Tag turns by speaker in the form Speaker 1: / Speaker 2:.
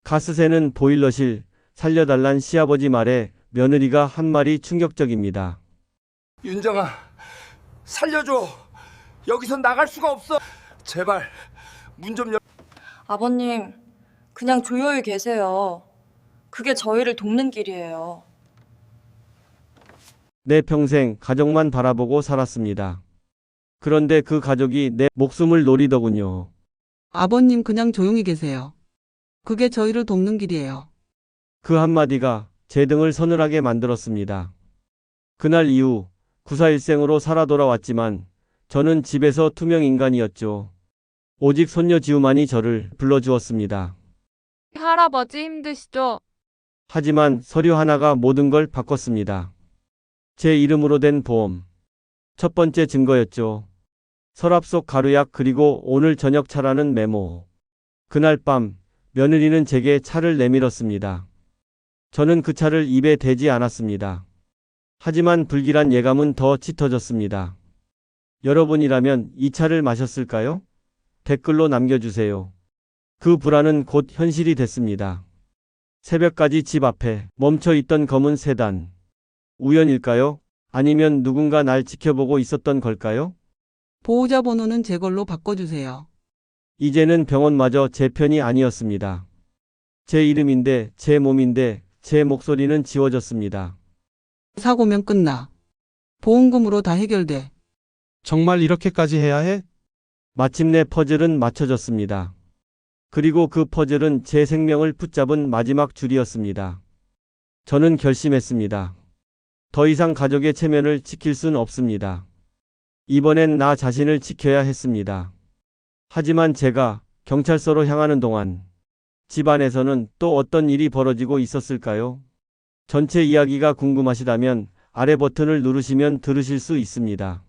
Speaker 1: 가스새는 보일러실, 살려달란 시아버지 말에 며느리가 한 말이 충격적입니다.
Speaker 2: 윤정아, 살려줘. 여기서 나갈 수가 없어. 제발 문 좀 열.
Speaker 3: 아버님, 그냥 조용히 계세요. 그게 저희를 돕는 길이에요.
Speaker 1: 내 평생 가족만 바라보고 살았습니다. 그런데 그 가족이 내 목숨을 노리더군요.
Speaker 4: 아버님 그냥 조용히 계세요. 그게 저희를 돕는 길이에요.
Speaker 1: 그 한마디가 제 등을 서늘하게 만들었습니다. 그날 이후 구사일생으로 살아 돌아왔지만 저는 집에서 투명 인간이었죠. 오직 손녀 지우만이 저를 불러주었습니다.
Speaker 5: 할아버지 힘드시죠?
Speaker 1: 하지만 서류 하나가 모든 걸 바꿨습니다. 제 이름으로 된 보험. 첫 번째 증거였죠. 서랍 속 가루약 그리고 오늘 저녁 차라는 메모. 그날 밤 며느리는 제게 차를 내밀었습니다. 저는 그 차를 입에 대지 않았습니다. 하지만 불길한 예감은 더 짙어졌습니다. 여러분이라면 이 차를 마셨을까요? 댓글로 남겨주세요. 그 불안은 곧 현실이 됐습니다. 새벽까지 집 앞에 멈춰 있던 검은 세단. 우연일까요? 아니면 누군가 날 지켜보고 있었던 걸까요?
Speaker 4: 보호자 번호는 제 걸로 바꿔주세요.
Speaker 1: 이제는 병원마저 제 편이 아니었습니다. 제 이름인데, 제 몸인데, 제 목소리는 지워졌습니다.
Speaker 4: 사고면 끝나. 보험금으로 다 해결돼.
Speaker 6: 정말 이렇게까지 해야 해?
Speaker 1: 마침내 퍼즐은 맞춰졌습니다. 그리고 그 퍼즐은 제 생명을 붙잡은 마지막 줄이었습니다. 저는 결심했습니다. 더 이상 가족의 체면을 지킬 순 없습니다. 이번엔 나 자신을 지켜야 했습니다. 하지만 제가 경찰서로 향하는 동안 집안에서는 또 어떤 일이 벌어지고 있었을까요? 전체 이야기가 궁금하시다면 아래 버튼을 누르시면 들으실 수 있습니다.